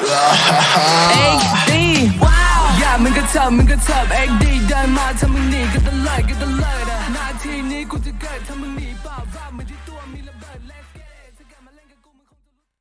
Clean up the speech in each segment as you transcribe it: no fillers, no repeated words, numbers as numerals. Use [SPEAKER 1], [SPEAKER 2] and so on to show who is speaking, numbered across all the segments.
[SPEAKER 1] XD อย่ามึงก็เถิบ XD เดินมาถ้ามึงหนีก็ตะเลิดนาทีนี้กูจะเกิดถ้ามึงหนีเปล่าว่ามันที่ตัวมีระเบิด Let's get it ถ้ากลับมาเล่นกับกูมึงคงจะรู้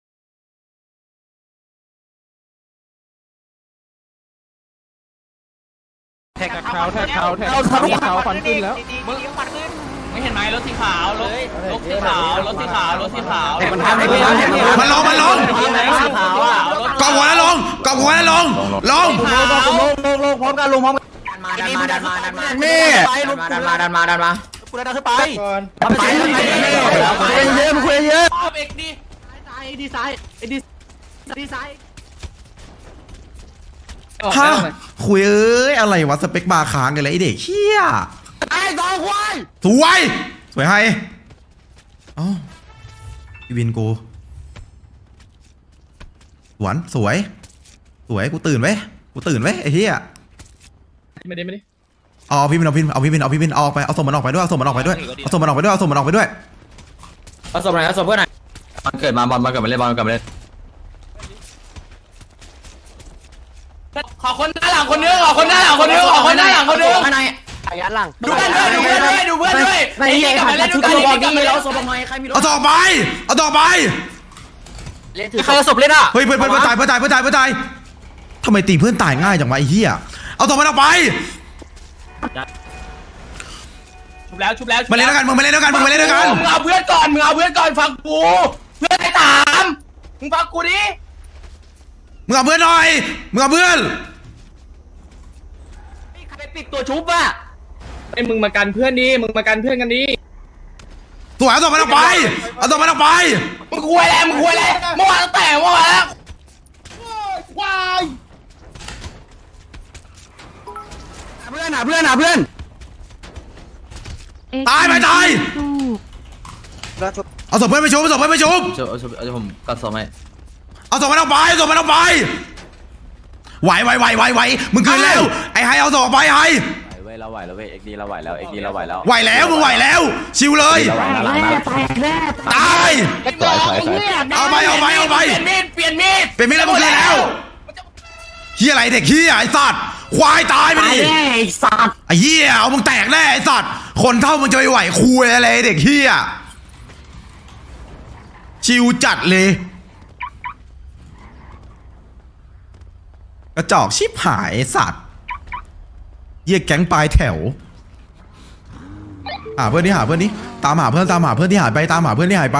[SPEAKER 2] แท็กเขาฟันขึ้นแล้วมึงฟันขึ้นไม่เห็นไหมรถสีขาวรถสีขาว
[SPEAKER 3] มันลงกอบหัวแล้วลงลงพร้อมกันดันมานี่ดันมากูดันขึ้นไปเยอะมึงคุยเยอะเอกดีซ้ายฮะคุยอะไรวะสเปคบาร์ค้างกันเลยไอเด็กเชี่ยไอ้สองควายสวยให้อ๋อพี่วินกูสวยกูตื่นไว้ไอ้เหี้ย
[SPEAKER 2] ไม่ได้
[SPEAKER 3] เอาพี่วินออกไปเอาศพมันออกไปด้วยเอาศพมันออกไปด้วยเอาศพไหนเอาศพเพื่อนไหนมันเกิดมาเล่น
[SPEAKER 2] ขอคนหน้าหลังคนนึงข้างในยันหลังดูเพื่อนด้วยไม่ใช่ขัดชุดตัวบอกนี่เราศพหน่อยใครมีรถ
[SPEAKER 3] เอาต่อไป
[SPEAKER 2] ใครเอาศพเล่นอ่ะ
[SPEAKER 3] เฮ้ยเพื่อนตายทำไมตีเพื่อนตายง่ายจังวะไอ้เหี้ยเอาศพมันออกไป
[SPEAKER 2] ชุบแล้ว
[SPEAKER 3] มาเล่นด้วยกันมึง
[SPEAKER 2] เอาเพื่อนก่อนฟังกูเพื่อนไอ้ถามมึงฟังกูดิ
[SPEAKER 3] มึงเอาเพื่อนหน่อย
[SPEAKER 2] ใครไปปิดตัวชุบอ่ะไอ้มึงมากันเพื่อนกันดิ
[SPEAKER 3] สวยเอาศพมันออกไป
[SPEAKER 2] มึงคุยอะไรเมื่อวานแล้วว้าย
[SPEAKER 3] เพื่อนตายเอาศพเพื่อนไปชุบ
[SPEAKER 4] ผมกัดศพไหม
[SPEAKER 3] เอาศพมันออกไปไหวมึงคืนแล้วไอ้ไฮเอาศพออกไปไฮ
[SPEAKER 4] เราไหวแล้วเว้ยเอ็กดีเราไหวแล้ว
[SPEAKER 3] มึงไหวแล้วชิวเลยตายเอาไป
[SPEAKER 2] เปลี่ยนมีด
[SPEAKER 3] แล้วมึงคืนแล้วเฮียอะไรเด็กเฮียไอ้สัตว์ควายตายไปดิ
[SPEAKER 2] ไอ้สัตว์
[SPEAKER 3] ไอ้เฮียเอามึงแตกแน่ไอ้สัตว์คนเท่ามึงจะไปไหวคุยอะไรเด็กเฮียชิวจัดเลยกระจอกชิบหายสัตว์เยี่ยแก๊งปลายแถวหาเพื่อนนี่ตามหาเพื่อนที่หายไปตามหาเพื่อนที่หาย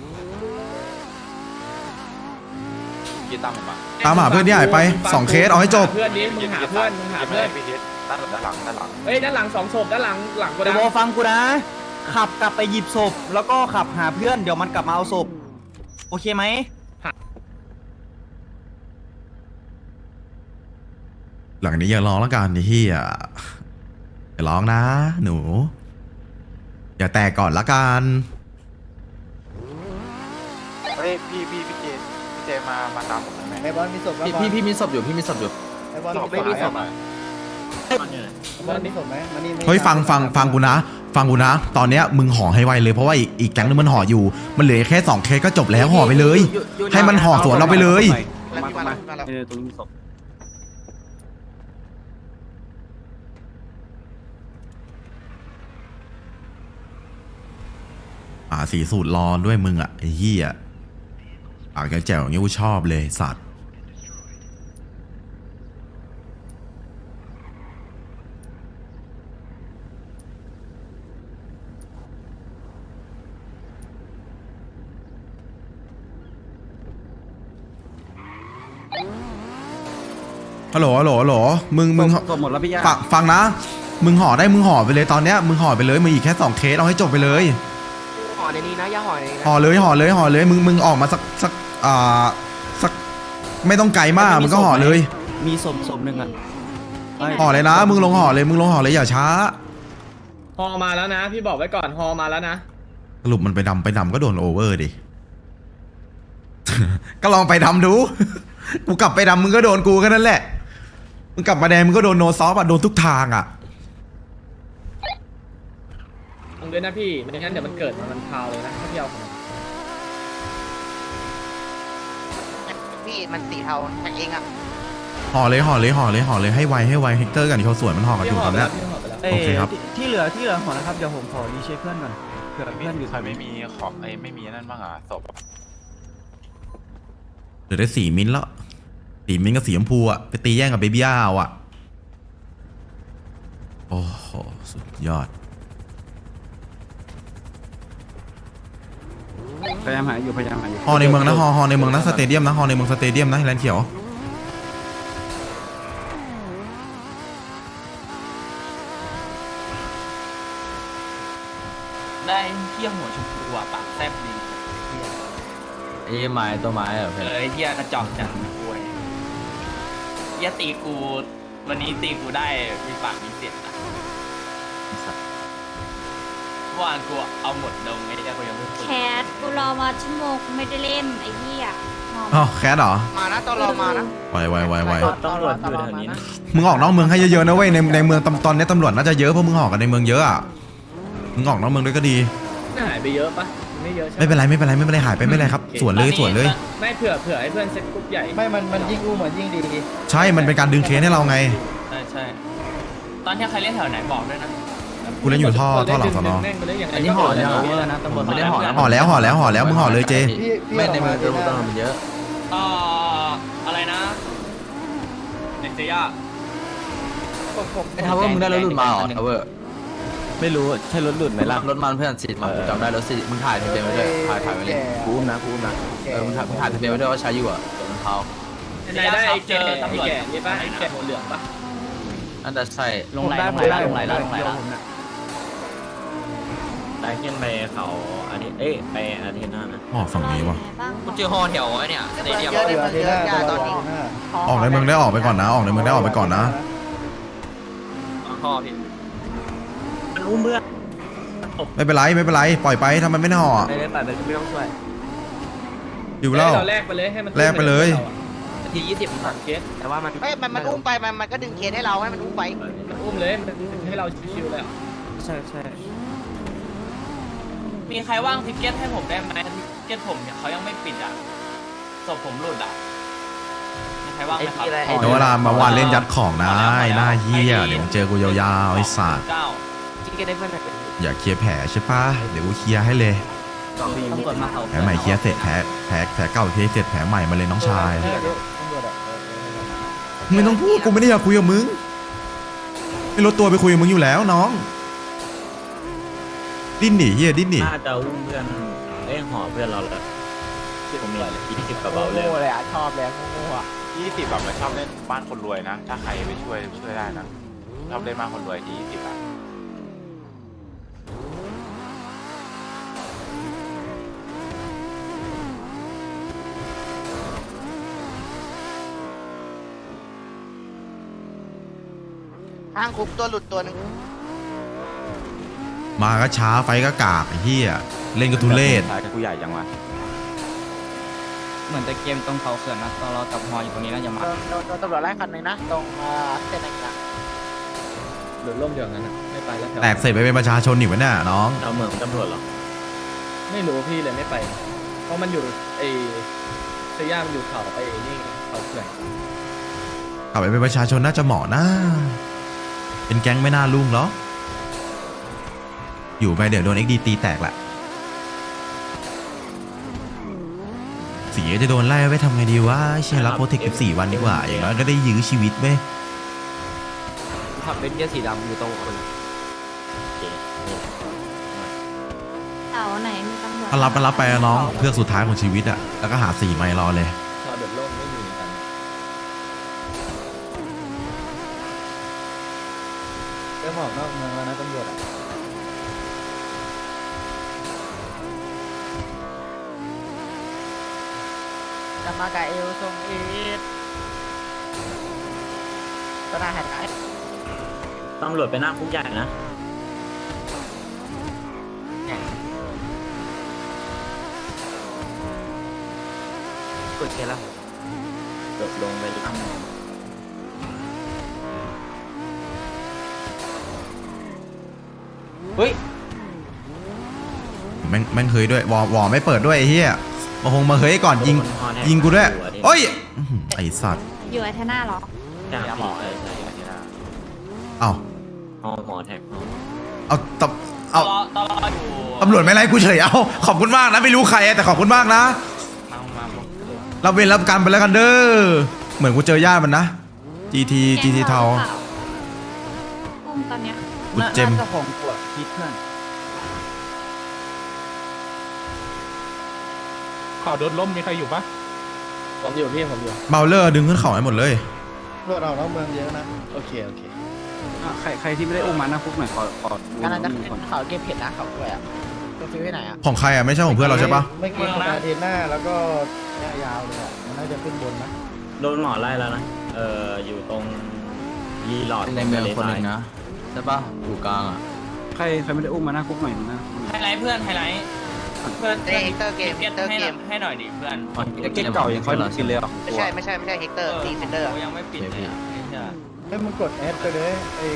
[SPEAKER 3] ไป2เคสเอาให้จบ
[SPEAKER 2] เพื่อนนี้มึงหาเพื่อนด้านหลัง2ศพด้านหลังกูนะ
[SPEAKER 5] ฟังกูนะขับกลับไปหยิบศพแล้วก็ขับหาเพื่อนเดี๋ยวมันกลับมาเอาศพโอเคไหม
[SPEAKER 3] หลังนี้อย่าร้องแล้วกันไอ้เหี้ยอย่าร้องนะหนูอย่าแตกก่อนละกัน
[SPEAKER 6] เฮ้ยพี่เจมาตามผมไหม
[SPEAKER 5] ไอบอลมีศพ
[SPEAKER 4] พี่มีศพอยู่
[SPEAKER 5] ไอบอลไม่มีศพอ่ะบอลมีศพไหมมันนี่
[SPEAKER 3] เฮ้ยฟังกูนะตอนเนี้ยมึงห่อให้ไวเลยเพราะว่าอีกแก๊งนึงมันห่ออยู่มันเหลือแค่2เคสก็จบแล้วห่อไปเลยให้มันห่อสวนเราไปเลย
[SPEAKER 4] ตรงนี้มีศพ
[SPEAKER 3] สีสูตรรอด้วยมึงอ่ะไอ้เหี้ยปากแจ๋วอย่างงี้กูชอบเลยสัตว์ฮัลโหลมึง
[SPEAKER 5] หมดแล้วพี่ย่า
[SPEAKER 3] ฟังนะมึงห่อได้มึงห่อไปเลยตอนเนี้ยมึงห่อไปเลยมึงอีกแค่2เคสเอาให้จบไปเลย
[SPEAKER 2] ห่อในนี้นะอย่าห่อในนี้นะ
[SPEAKER 3] ห่อเลยมึงออกมาสักไม่ต้องไกลมากมึงก็ห่อเลย
[SPEAKER 5] มีศพหนึ่งอ่ะ
[SPEAKER 3] ห่อเลยนะมึงลงห่อเลยอย่าช้า
[SPEAKER 2] ห่อมาแล้วนะพี่บอกไว้ก่อนห่อมาแล้วนะ
[SPEAKER 3] สรุปมันไปดำก็โดนโอเวอร์ดิ ก็ลองไปดำดูกูกลับไปดำมึงก็โดนกูแค่นั้นแหละมึงกลับมาแดงมึงก็โดนโนซอฟอ่ะโดนทุกทางอ่ะ
[SPEAKER 2] ด้วยนะพี่ไม่งั้นเดี๋ยวมันเกิดมันพาวเลยนะถ้าพี่เอาของ
[SPEAKER 7] พี่มันสีเทาแท็กเองอ่ะ
[SPEAKER 3] ห่อเลยให้ไวเฮกเตอร์กับนิโคสวนมันห่อกันอยู่ตอนเนี้ย โอเคครับ
[SPEAKER 5] ที่เหลือหอนะครับเดี๋ยวผมขอรีเช็คเพื่อนก่อนเผื่อเพื่อนอยู่
[SPEAKER 6] ใครไม่มีของไม่มีนั่นบ้างอ่ะศพ
[SPEAKER 3] เหลือได้4 มิ้นท์แล้ว4 มิ้นท์กับสีชมพูอะไปตีแย่งกับเบบี้ย่าเอาอะโอ้โหสุดยอด
[SPEAKER 5] พยายามหาอยู่
[SPEAKER 3] ห่อในเมืองนะห่อในเมืองนะสเตเดียมนะห่อในเมืองสเตเดียมนะแลนด์เขียว
[SPEAKER 2] ได้เที่ยหัวชมพูอ่ะปากแซ่บดี
[SPEAKER 4] ไอ้ไม้ตัวไม้เหรอเพื่อน
[SPEAKER 2] เที่ยกระจอกจังป่วยเที่ยตีกูวันนี้ตีกูได้มีปากมีเสียงนะเมื่อวานกูเอาหมดดงไอ้เที่ยกูยังไม่
[SPEAKER 8] แคทกูรอมาชั่วโมงกูไม่ได้เล่นไอ้เหี้ยงอม
[SPEAKER 3] อ๋อแคทเหรอ
[SPEAKER 7] มานะตอนรอมานะ
[SPEAKER 3] ไว
[SPEAKER 4] ตำรวจอยู่แถวนี้นะ
[SPEAKER 3] มึงออกนอกเมืองให้เยอะๆนะเว้ยในเมืองตอนนี้ตำรวจน่าจะเยอะเพราะมึงออกกันในเมืองเยอะอะมึงออกนอกเมืองด้วยก็ดี
[SPEAKER 4] หายไปเยอะปะไม่เยอะใช่
[SPEAKER 3] ไม่เป็นไรหายไปไม่เป็นไรครับสวนเลย
[SPEAKER 4] ไม่เผื่อให้เพื่อนเซ็ตกรุ๊ปใหญ่
[SPEAKER 5] ไม่มันยิ่งอู้มันยิ่งดี
[SPEAKER 3] ใช่มันเป็นการดึงเคสให้เราไง
[SPEAKER 2] ใช่ตอนที่ใครเล่นแถวไหนบอกด้วยนะ
[SPEAKER 3] กูเล่นอยู่ท่อหลังสนอ
[SPEAKER 4] อันนี้ห่อแล้วนะตำรวจไม่ได้ห่อนะ
[SPEAKER 3] ห่อแล้วมึงห่อเลยเจ
[SPEAKER 4] ไม่ในมือตำรวจมันเยอะ
[SPEAKER 2] อะไรนะเนเซีย
[SPEAKER 4] ไอ้ทาวเวอร์มึงได้รถหลุดมาเหรอทาวเวอร์ไม่รู้ใช่รถหลุดไหมล่ะรถมันเพื่อนสิมาจำได้รถสิมึงถ่ายทะเบียนไว้ด้วยถ่ายไว้เลยกูนะมึงถ่ายทะเบียนไว้ด้วยว่าใช้อยู่อ่ะรองเท้า
[SPEAKER 2] ไหนได้เจอตำรวจนี่ป่ะไอ้แก่หัวเหลืองป่ะ
[SPEAKER 4] อันนั้นใช่
[SPEAKER 5] ลงไหลแล้ว
[SPEAKER 4] ได้ขึ้นไปเขาอาทิตย์ไปอาทิตย์หน้านะ
[SPEAKER 3] ห่อฝั่งนี้วะ
[SPEAKER 8] บ้าง
[SPEAKER 2] กูเจอฮอแถวไอ้เนี่ยสเตเดียม
[SPEAKER 7] เยอะในเมืองเยอะอย่าตอนนี้
[SPEAKER 3] ออกในเมืองได้ออกไปก่อนนะ
[SPEAKER 2] ฮอพี่
[SPEAKER 4] มันอุ้มเพื่อน
[SPEAKER 3] ไม่เป็นไรปล่อยไปทำไมไม่ห่อ
[SPEAKER 4] ไปเลยไม่ต้องช่วย
[SPEAKER 3] อยู่แล้ว
[SPEAKER 2] เราแลกไปเลยให้มัน
[SPEAKER 3] แลกไปเลย
[SPEAKER 2] ที20ผ่านเคสแต่ว่ามัน
[SPEAKER 7] มันอุ้มไปมันก็ดึงเคสให้เราให้มันอุ้มไป
[SPEAKER 2] อุ้มเลยมันให้เราชิวๆเลย
[SPEAKER 5] ใช่
[SPEAKER 2] มีใครว่างทิกเก็ตให้ผมได้ไหมทิกเก็ตผมเนี่ยเขายังไม่ปิดอ่ะศพผมหลุดอ่ะมีใครว่างไหมครับ
[SPEAKER 3] เดี๋ยวเวลามาวานเล่นยัดของนะไอ้หน้าเหี้ยเดี๋ยวมึงเจอกูยาวๆไอ้สัตว์
[SPEAKER 2] ทิกเก็ตได้เพื่อนไหน
[SPEAKER 3] อย่าเคลียร์แผลใช่ปะเดี๋ยวกูเคลียร์ให้เลย
[SPEAKER 2] ตำรวจมาเขา
[SPEAKER 3] แผลใหม่เคลียร์เสร็จแผลเก่าเคลียร์เสร็จแผลใหม่มาเลยน้องชายไม่ต้องพูดกูไม่ได้อยากคุยกับมึงไม่ลดตัวไปคุยกับมึงอยู่แล้วน้องดิ้นหนีเฮียดิ้นหนี
[SPEAKER 4] น่าจะอุ้มเพื่อนห่อเพื่อนเราแล้วผมมี20กระเป๋าเลย
[SPEAKER 7] เลยอ่ะชอบแล้วโง่อ่ะ
[SPEAKER 6] 20แบบมันชอบเล่นบ้านคนรวยนะ ถ้าใครไปช่วยได้นะชอบเล่นบ้านคนรวยที่20อ่ะ
[SPEAKER 7] ห้างคุบตัวหลุดตัวนึง
[SPEAKER 3] มาก็ช้าไฟก็กากไอ้เฮียเล่นก็ทุเรศ
[SPEAKER 4] กูใหญ่จังวะ
[SPEAKER 5] เหมือนแต่เกมตรงเขาเขื่อนนะตอนเราจับฮออยู่ตรงนี้นะอย่ามา
[SPEAKER 7] โดนตำรวจไล่คันหนึ่งนะตรงเส้นอะไรนะ
[SPEAKER 4] หลุดร่มเดียวกันนะไม่ไปแล้ว
[SPEAKER 3] แตกเสร็จไปเป็นประชาชนอีกวะเนี่ยน้อง
[SPEAKER 4] เราเหมือนตำรวจหรอ
[SPEAKER 2] ไม่รู้พี่เลยไม่ไป เพราะมันอยู่ไอ้เซียมันอยู่เขาไอ้นี่เขาเขื่อน
[SPEAKER 3] กลับไปเป็นประชาชนน่าจะเหมาะนะเป็นแก๊งไม่น่ารุ่งหรออยู่ไปเดี๋ยวโดน XD ตีแตกแหละสีจะโดนไล่ไว้ทำไงดีวะเชียร์รับโปรเทค14 วันดีกว่าอย่างน้อยก็ได้ยื้อชีวิตเว้ย
[SPEAKER 2] ขับเป็นเกียร์สีดำอยู่ตรงคน
[SPEAKER 8] เสาไหนมีตำรวจ
[SPEAKER 3] ถ้ารับไปน้องเพื่อสุดท้ายของชีวิตอะแล้วก็หา4 ไมล์รอเลย
[SPEAKER 2] ชาวเดือดร่มไม่มีกัน
[SPEAKER 5] เริ่มออกนอกเมืองแล้วนะตำรวจอ่ะ
[SPEAKER 7] จะมากับเอลทรงอีทก็น่าหันไหน
[SPEAKER 4] ตำรวจไปหน้าคุกใหญ่นะ
[SPEAKER 2] กดเคสแล้ว
[SPEAKER 4] จบลงไปดิ
[SPEAKER 2] เฮ้ย
[SPEAKER 3] แม่งเคยด้วยวอไม่เปิดด้วยไอ้เหี้ยมาเฮ้ยก่อนยิงกูด้วย
[SPEAKER 4] ที่
[SPEAKER 3] โอ้ยอื้อหือไอสัตว์
[SPEAKER 8] อยู่ไอเทน่าเหรอ
[SPEAKER 6] ยาหมอเลยใช่อาทิตย์หน้า
[SPEAKER 3] เอา
[SPEAKER 6] หมอแท็ก
[SPEAKER 3] เอาตบเอา
[SPEAKER 2] ตลอดอยู่
[SPEAKER 3] ตำรวจไม่ไล่กูเฉยเอาขอบคุณมากนะไม่รู้ใครแต่ขอบคุณมากนะ
[SPEAKER 6] มา
[SPEAKER 3] รับเวรรับกรรมไปแล้วกันเด้อเหมือนกูเจอญาติมันนะ GT เทา
[SPEAKER 8] อุ้มตอนเนี้ย
[SPEAKER 3] กูเจม
[SPEAKER 5] น่าจะของปวดคิดเพื่อน
[SPEAKER 2] ข่าวโดนล้มมีใครอยู่ปะ
[SPEAKER 4] ผมอยู่พี่ผมอยู่
[SPEAKER 3] เมาเลอร์ดึงขึ้นเขาให้หมดเลย
[SPEAKER 5] เพื่อนเราต้องเมืองเยอะนะโอเคใครที่ไม่ได้อุ้มมาหน้าคุกหน่อยขอ
[SPEAKER 7] อันนั้นจะ
[SPEAKER 5] ดูก่อน
[SPEAKER 7] เขาเก็บเผ็ดนะเขาด้วยอ่ะตัวฟิวที่ไหนอ่ะ
[SPEAKER 3] ของใครอ่ะไม่ใช่ของเพื่อนเราใช่ปะ
[SPEAKER 5] ไม่กินสตาร์เทนหน้าแล้วก็เนี่ยยาวเลยอ่ะมันน่าจะขึ้นบนนะ
[SPEAKER 9] โดนหมอไล่แล้วนะ อยู่ตรงรีหลอด
[SPEAKER 4] ในเมืองคนหนึ่งนะใช่ปะอยู่กลางอ่ะ
[SPEAKER 5] ใครไม่ได้อุ้มมาหน้าคุกหน่อยนะ
[SPEAKER 2] ไฮไลท์เพื่อนไฮไลท์เพื่อน
[SPEAKER 7] เฮกเตอร์เกมเฮกเตอร์เกม
[SPEAKER 2] ให้หน่อยดิเพื่อน
[SPEAKER 5] เก็ตเก่ายังค่อยดูกินเลยอ่ะ
[SPEAKER 7] ไม่ใช่เฮกเตอร์ดีเฟนเดอร์
[SPEAKER 2] ยังไม่ปิดเลยไม่ใช่
[SPEAKER 5] ให้มึงกดแอดไปเลยไอ้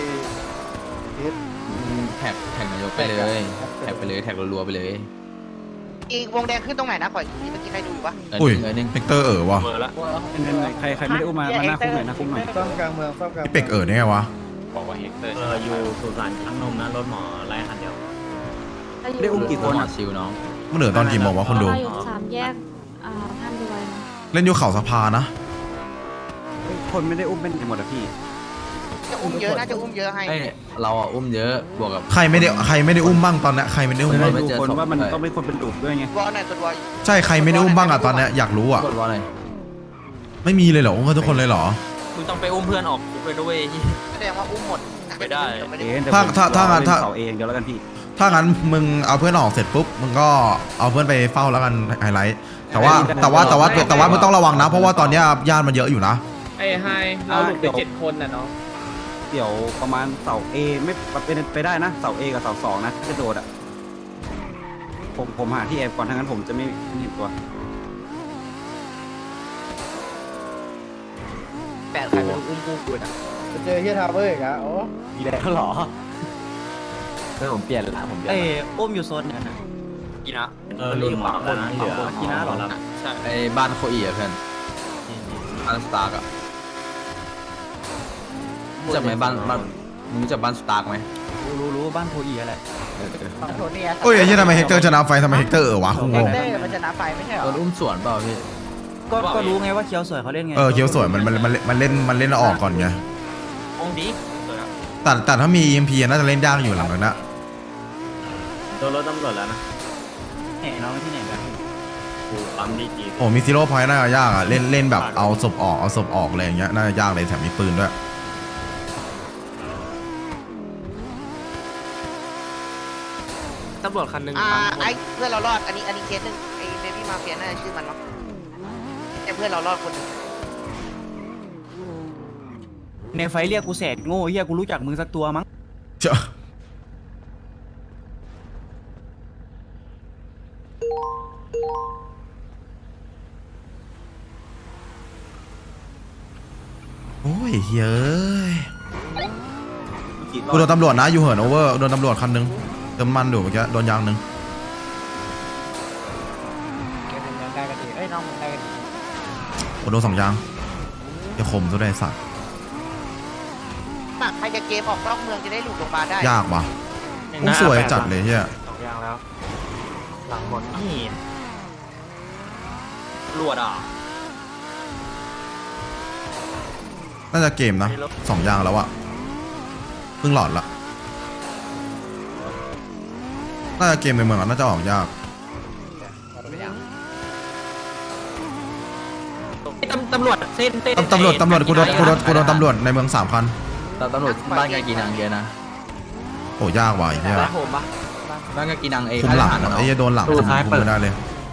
[SPEAKER 4] แท็กนายกไปเลยแท็กไปเลยแท็กรัวๆไปเลย
[SPEAKER 7] อีกวงแดงขึ้นตรงไหนนะขออีกทีเมื่อกี้ใครดูอยู่ปะ
[SPEAKER 3] อุ้ย
[SPEAKER 4] เงินนึง
[SPEAKER 3] เฮกเตอร์วะ
[SPEAKER 6] เบอร์ละ
[SPEAKER 5] ใครไม่ได้อุ้มมาหน้าคุกหน่อยหน้าคุกหน่อยซ่อมกลางเมืองซ่อมกลาง
[SPEAKER 3] พี่เป็กได้ไงวะ
[SPEAKER 6] บอกว่าเฮกเตอร์
[SPEAKER 9] อยู่สุสานช้างนมนะ รถหมอไล่คันเดียว
[SPEAKER 5] ได้อุ้มกี่คน
[SPEAKER 4] หมอ
[SPEAKER 5] อ่ะ
[SPEAKER 4] ชิวน้อง
[SPEAKER 3] มันเหลือตอนกี่โมงวะคนดู
[SPEAKER 8] เราอยู่สามแยกท่านรวยนะ
[SPEAKER 3] เล่นอยู่เขาสภานะ
[SPEAKER 5] คนไม่ได้อุ้มเป็นหมดอ่ะพี่
[SPEAKER 7] จะอุ้มเยอะน่าจะอุ้มเยอะให้
[SPEAKER 4] เอ้ยเราอ่ะอุ้มเยอะบวกกับ
[SPEAKER 3] ใครไม่ได้อุ้มบ้างตอนเนี้ยใครไม่ได้อุ้มบ้าง
[SPEAKER 4] ไม่
[SPEAKER 5] ดู
[SPEAKER 4] เจอ
[SPEAKER 5] คน
[SPEAKER 4] ศพ
[SPEAKER 5] ว่ามันต้องเป็นคนเป็นดุด้วยไง
[SPEAKER 7] วอลหน่อยตัววอล
[SPEAKER 3] ใช่ใครไม่ได้อุ้มบ้างอะตอนเนี้ยอยากรู้อะ
[SPEAKER 4] กดว่าอะไร
[SPEAKER 3] ไม่มีเลยเหรออุ้มกันทุกคนเลยเหรอ
[SPEAKER 2] มึงต้องไปอุ้มเพื่อนออกคุกเลยด้วย
[SPEAKER 7] แสดงว่าอุ้มหมด
[SPEAKER 2] ไม่ได้
[SPEAKER 5] เสาเองเดี๋ยวแล้วกันพี่
[SPEAKER 3] ถ้างั้นมึงเอาเพื่อนออกเสร็จปุ๊บมึงก็เอาเพื่อนไปเฝ้าแล้วกันไฮไลท์แต่ว่ามึงต้องระวังนะ เพราะว่าตอนเนี้ยญาติมันเยอะอยู่นะ
[SPEAKER 2] ไอ้ไฮเราหลุดไป7 คนน่ะเนาะ
[SPEAKER 5] เดี๋ยวประมาณเสา A ไม่เป็นไปได้นะเสา A กับเสา2นะจะโดดอ่ะผมหาที่แอบก่อนทั้งนั้นผมจะไม่เห็นตัว
[SPEAKER 7] แปดใครไม่รู้อุ้มกูกูอ่ะ
[SPEAKER 5] จะเจอเฮียทาวเวอร์อีกอ่ะโอ้มีแรงเหรอ
[SPEAKER 4] เพื่อนผมเปลี่ยนละผมเปลี่ยน
[SPEAKER 5] เอ้
[SPEAKER 4] ละ
[SPEAKER 5] อุ้มอยู่โซนไหนนะ
[SPEAKER 2] กี่นะ
[SPEAKER 9] รุ่นหมอแล้วนะเหลือ
[SPEAKER 5] กีน่าเหรอ
[SPEAKER 2] ใช่
[SPEAKER 4] ไอ้บ้านโคอีอ่ะเพื่อนบ้านสตาร์กอ่ะรู้จักไหมบ้านมึงรู้จักบ้านสตาร์กไหม
[SPEAKER 5] รู้บ้านโพอีอะไร
[SPEAKER 7] โทนี่
[SPEAKER 3] โอ้ยไอ้ยี่ทำไมเฮกเตอร์ชนะไฟทำไมเฮกเตอร์วะกูง
[SPEAKER 7] เฮก
[SPEAKER 3] ง
[SPEAKER 7] เตอร์มันชนะไฟไม่ใช่เหร
[SPEAKER 4] โด
[SPEAKER 7] อน
[SPEAKER 4] อุ้มสวนเปล่าพี่
[SPEAKER 5] ก็รู้ไงว่าเคียวสวยเขาเล่นไง
[SPEAKER 3] เคียวสวยมันเล่นออกก่อนไง
[SPEAKER 2] องดี
[SPEAKER 3] แต่ถ้ามี EMP น่าจะเล่นยากอยู่หลังนั้นนะ
[SPEAKER 9] โดนรถตำรวจแล้วนะ
[SPEAKER 5] ไหนน้องที่ไหนกัน
[SPEAKER 9] กูปั๊มดีจี
[SPEAKER 3] โอ้มีซีโร่พอยต์น่าจะยากอะเล่นแบบเอาศพออกอะไรอย่างเงี้ยน่าจะยากเลยแถมมีปืนด้วย
[SPEAKER 2] ตำรวจคันหนึ่ง
[SPEAKER 7] ไอ้เพื่อนเรารอดอันนี้เคสหนึ่งไอ้เบบี้มาเฟียน่าชื่อมันมั้งไอ้เพื่อนเรารอดคนนึง
[SPEAKER 5] ในไฟเรียกกูแสดโง่เฮียกูรู้จักมึงสักตัวมั้ง
[SPEAKER 3] เจ้าโอ้ยเฮ้ยกูโดนตำรวจนะอยู่เหินโอเวอร์โดนตำรวจคันหนึงเติมมันอยู่เมื่อกี้โดนยางหนึง
[SPEAKER 7] เกมยังได้กันดีเอ้ยน้องมึงได้กันดี
[SPEAKER 3] โอ้โดน2ยางจะคมซะได้สัตว์
[SPEAKER 7] ใครจะเกมออกนอกเมืองจะได้หลุดลงมาได้
[SPEAKER 3] ยากว่ะโอ้สวยจัดเลยเฮีย
[SPEAKER 6] 2 อย่างแล้ว หลังหมด
[SPEAKER 2] นี่ตำรวจอ่ะ
[SPEAKER 3] น่าจะเกมนะ2ยางแล้วอะเพิ่งหลอดละน่าจะเกมในเมืองอะน่าจะออกยาก
[SPEAKER 2] ตำรวจเส้น
[SPEAKER 3] ตำรวจกูโดนตำรวจในเมือง3 คัน
[SPEAKER 4] แต่ตำรวจบ้านกากีนังเยอะนะ
[SPEAKER 3] โอ้ยากว่ะไอ้เหี้ย
[SPEAKER 7] แล้วผมปะ
[SPEAKER 4] บ้านกากีนังไอ้
[SPEAKER 3] คุมหลังอะไอ้เหี้ยโดนหลังคุมไม่ได้เลย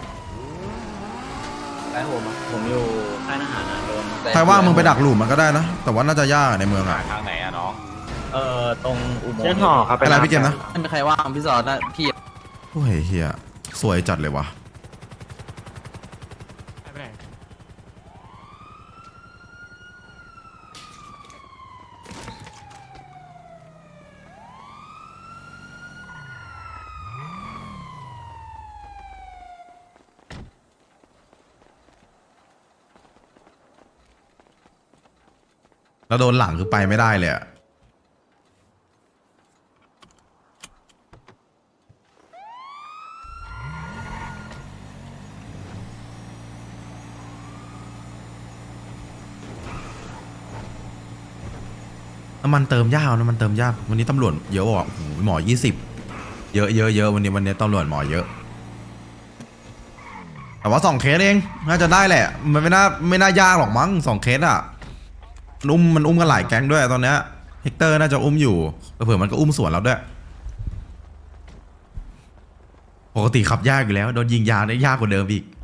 [SPEAKER 9] ผมอยู่ค่ายทหารนะโดน
[SPEAKER 3] ใครว่ามึงไปดักหลุมมันก็ได้นะ แต่ว่าน่าจะยากอะในเมืองอะ
[SPEAKER 6] ทางไหนอะน้อง
[SPEAKER 9] ตรงอุโมงค์
[SPEAKER 6] เช่นห่อครับ
[SPEAKER 3] อะไรพี่เกมนะ
[SPEAKER 4] ไม่มีใครว่างพี่ซอนะพี่
[SPEAKER 3] โอ้ยเฮียสวยจัดเลยว่ะแล้วโดนหลังคือไปไม่ได้เลยอะน้ำมันเติมยากน้ำมันเติมยากวันนี้ตำรวจเยอะว่ะโอ้โหหมอ20เยอะวันนี้ตำรวจหมอเยอะ แต่ว่า2 เคสเองน่าจะได้แหละ มันไม่น่ายากหรอกมั้ง2 เคสอ่ะมันอุ้มกันหลายแก๊งด้วยตอนเนี้ยเฮกเตอร์น่าจะอุ้มอยู่เผื่อมันก็อุ้มสวนเราด้วยปกติขับยากอยู่แล้วโดนยิงยางได้ยากกว่าเดิมอีก